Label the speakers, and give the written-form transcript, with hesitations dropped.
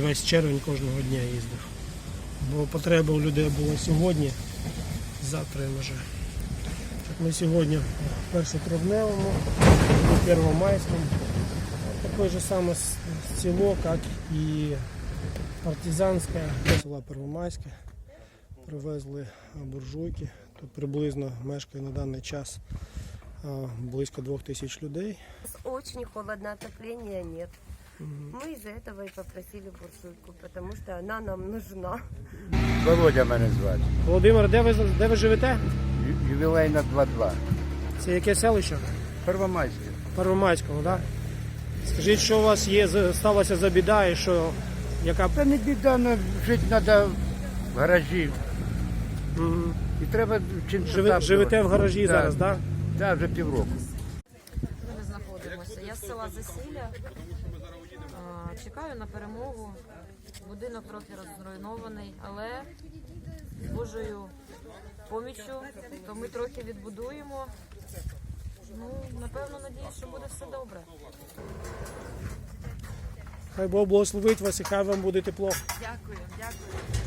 Speaker 1: весь червень кожного дня їздив. Бо потреба у людей була сьогодні, завтра вже. Так ми сьогодні в 1-травневому, в Первомайському. Такое же самое село, как и Партизанське, села Первомайське. Привезли буржуйки. Тут приблизно мешкає на даний час близько 2000 людей.
Speaker 2: Очень холодно, отопления нет. Мы из-за этого и попросили буржуйку, потому что она нам нужна.
Speaker 3: Володя мене звати.
Speaker 1: Володимир, де ви живете?
Speaker 3: Ювілейна 2-2.
Speaker 1: Це яке селище?
Speaker 3: Первомайське.
Speaker 1: Первомайського, так? Скажіть, що у вас сталося за біда і що, яка...
Speaker 3: Та не біда, але жити треба в гаражі. І треба чимось
Speaker 1: Живете в гаражі зараз, так?
Speaker 3: Так, вже півроку.
Speaker 4: Ми знаходимося. Я з села Засілля. Чекаю на перемогу. Будинок трохи розруйнований, але з Божою поміччю, то ми трохи відбудуємо. Ну, напевно, надіюсь, що буде все добре.
Speaker 1: Хай Бог благословить вас і хай вам буде тепло.
Speaker 4: Дякую, дякую.